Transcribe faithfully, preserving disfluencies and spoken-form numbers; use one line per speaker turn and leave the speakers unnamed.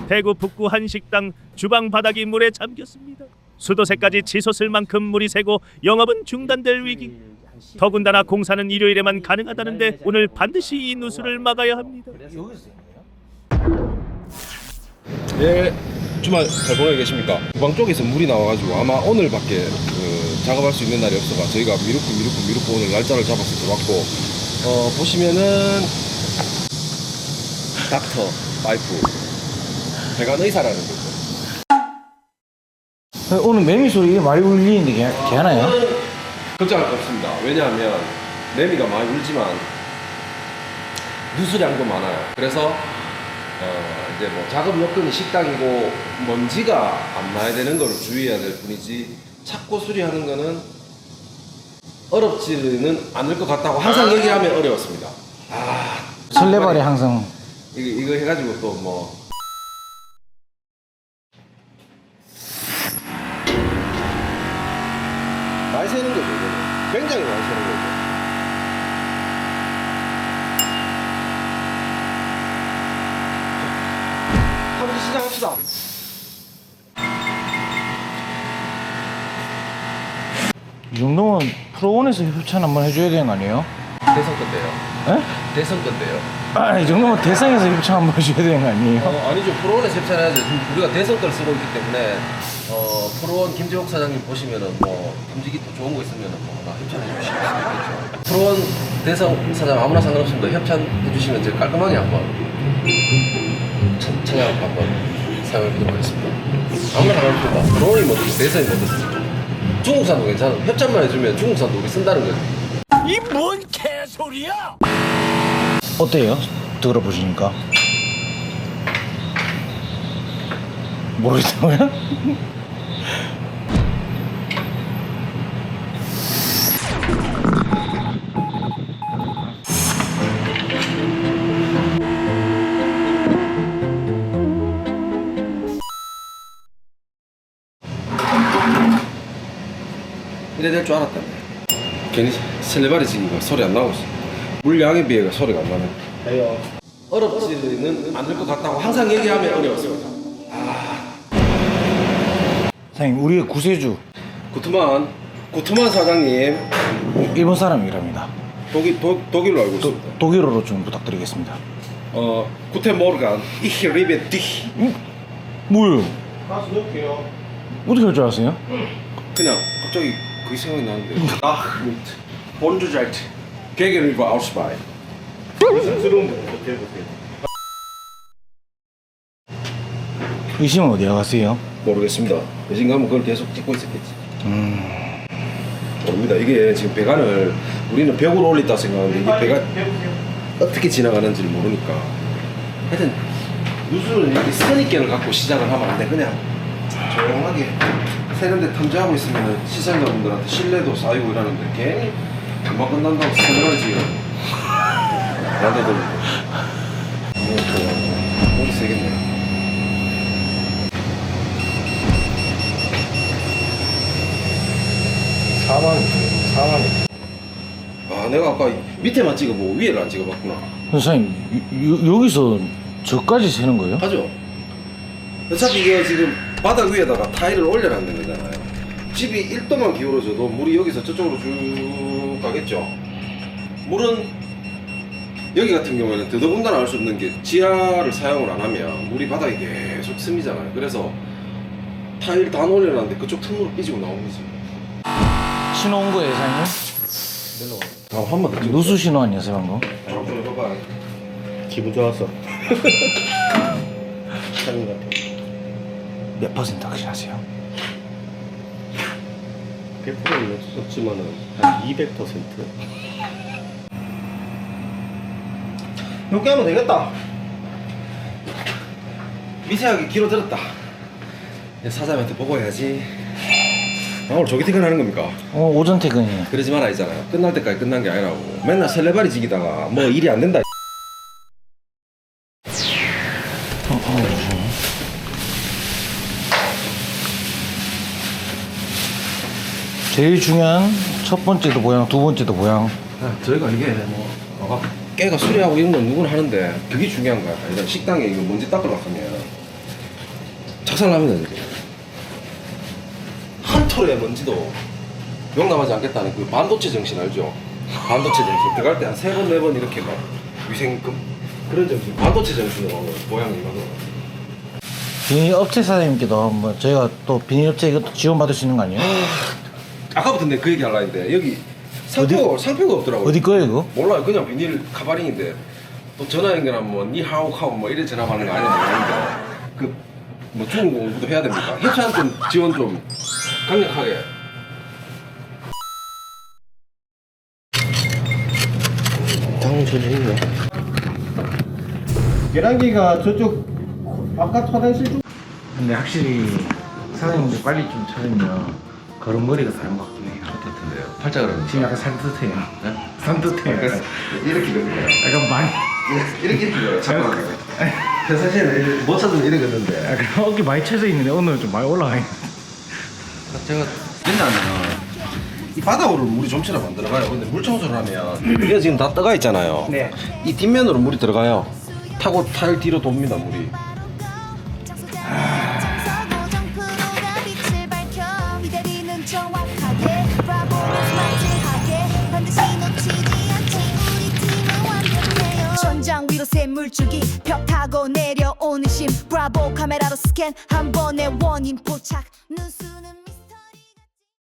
대구 북구 한 식당 주방 바닥이 물에 잠겼습니다. 수도세까지 치솟을 만큼 물이 새고 영업은 중단될 위기. 더군다나 공사는 일요일에만 가능하다는데 오늘 반드시 이 누수를 막아야 합니다.
예, 주말 잘 보내고 계십니까? 주방 쪽에서 물이 나와가지고 아마 오늘밖에 그, 작업할 수 있는 날이 없어가 저희가 미루고 미루고 미루고 오늘 날짜를 잡아서 들어왔고, 어, 보시면은 닥터 파이프 배관 의사라는 거죠.
오늘 매미 소리 많이 울리는데 개, 개 하나요?
걱정할 거 없습니다. 왜냐하면 매미가 많이 울지만 누수량도 많아요. 그래서 어, 이제 뭐 작업 여건이 식당이고 먼지가 안 나야 되는 걸 주의해야 될 뿐이지 찾고 수리하는 거는 어렵지는 않을 것 같다고 항상 얘기하면 어려웠습니다. 아,
설레발이 항상
이거, 이거 해가지고 또 뭐 많이 새는 거죠. 이거는. 굉장히 많이 새는 거죠. 한번 시작합시다.
이 정도면 프로원에서 협찬 한번 해줘야 되는 거 아니에요?
대선 건데요.
에?
대선 건데요.
아, 이 정도면 대상에서 협찬 한번 해줘야 되는 거 아니에요?
어, 아니죠. 프로원에 협찬해야죠. 지금 우리가 대선 걸 쓰고 있기 때문에 어, 프로원 김재욱 사장님 보시면은 뭐 움직이 또 좋은 거 있으면은 뭐나 협찬해 주실 수 있겠죠. 프로원 대선 사장 아무나 상관없습니다. 협찬해 주시면 제가 깔끔하게 한번 천, 천양 한번 사용해 보도록 하겠습니다. 아무나 상관없습니다. 프로원이 뭐든 대선이 뭐든 중국산도 괜찮아. 협찬만 해주면 중국산도 우리 쓴다는 거지.
이 뭔 개소리야?
어때요? 들어보시니까 모르겠다고요?
이래 될 줄 알았다. 괜히 설레발이 지기가 소리 안 나고 있어. 물량에 비해 소리가 안 나네. 해요. 어렵지는 않을 것 같다고 항상 얘기하면 어려웠습니다.
사장님, 우리의 구세주
구트만 구트만 사장님
일본 사람이랍니다.
독일 도, 독일로 알고
도,
있습니다.
독일어로 좀 부탁드리겠습니다.
어 구텐 모르간 이히 리베 디
뭐예요?
가서 넣을게요.
어떻게 할 줄 아세요?
그냥 갑자기 그게 생각이 나는데. 아, 본주자이트 개개를 봐 아웃스바이.
부담스러운데 어떻게 해보세요?
의심은 어디에 가세요?
모르겠습니다. 예진 가면 그걸 계속 찍고 있었겠지.
음...
모릅니다. 이게 지금 배관을 우리는 벽으로 올렸다 생각하는데 이게 배관 어떻게 지나가는지를 모르니까. 하여튼 누수는 이렇게 선입견을 갖고 시작을 하면 안 돼. 그냥 조용하게 새는데 탐지하고 있으면 시청자분들한테 신뢰도 쌓이고 이러는데 괜히 금방 끝난다고 설명을 지금 나도 돌리고. 이거 좋아. 오기 세겠네. 사만, 사만. 아, 내가 아까 밑에만 찍어보고 위에를 안 찍어봤구나.
선생님, 요, 요, 여기서 저까지 세는 거예요?
하죠. 어차피 이게 지금 바닥 위에다가 타일을 올려놨는 거잖아요. 집이 일 도만 기울어져도 물이 여기서 저쪽으로 쭉 가겠죠. 물은 여기 같은 경우에는 더더군다나 알 수 없는 게 지하를 사용을 안 하면 물이 바닥에 계속 스미잖아요. 그래서 타일 다 올려놨는데 그쪽 틈으로 삐지고 나오는 거지.
신호 온 거예요, 사장님?
아, 한 번 더 찍어.
누수 신호 아니었어요, 방금?
좀 해봐.
기분 좋았어. 사는 것 같아.
몇 퍼센트 확신하세요?
백 퍼센트는 없지만은 한 이백 퍼센트.
이렇게 하면 되겠다. 미세하게 길어들었다. 사장님한테 보고해야지. 아, 오늘 조기 퇴근하는 겁니까?
어, 오전 퇴근이에요.
그러지 마라 했잖아요. 끝날 때까지 끝난 게 아니라고. 맨날 설레발이 지기다가 뭐 일이 안 된다.
어, 어, 잠시만요. 제일 중요한 첫 번째도 모양, 두 번째도 모양.
아, 저희가 이게 뭐 아까 깨가 수리하고 이런 건 누구나 하는데 그게 중요한 거야. 일단 식당에 이거 먼지 닦으러 가면 박살납니다 이제. 한 톨의 먼지도 용납하지 않겠다는 그 반도체 정신 알죠? 반도체 정신 들어갈 때 한 세 번 네 번 이렇게 막 위생금 그런 정신 반도체 정신으로 모양이 이거는
비닐 업체 사장님께도 한번 저희가 또 비닐 업체 이것도 지원받을 수 있는 거 아니에요?
아까부터 내가 그 얘기 하려고 했는데 여기 상표가 상표가 없더라고요.
어디 거예요 그거?
몰라요. 그냥 비닐 카바링인데 또 전화 연결하면 뭐 니하오 카오 뭐 이래 전화 받는 거 아닌지 모르는데 그뭐 중국 공부도 해야 됩니까? 협찬 좀 지원 좀 강력하게.
당첨 했네.
계란기가 저쪽 바깥 화장실 쪽. 근데 확실히 사장님들 빨리 좀 찾으면 걸음걸이가 다른 것 같긴 해요.
같은데요. 팔자그럼
지금 약간 산뜻해요. 산뜻해요. 약간,
이렇게 되는
약간 많이.
이렇게 되는 잠깐만요. 사실 못 찾으면 이래 겠는데
약간 어깨 많이 쳐져 있는데 오늘 좀 많이 올라가 있네.
제가 왜냐하면 이 바닥으로 물이 좀처럼 안 들어가요. 근데 물 청소를 하면 이게 지금 다 떠가 있잖아요.
네.
이 뒷면으로 물이 들어가요. 타고 타일 뒤로 돕니다 물이.
천장 위로 새 물줄기 벽 타고 내려오는 심 브라보 카메라로 스캔 한 번에 원인 포착 눈수는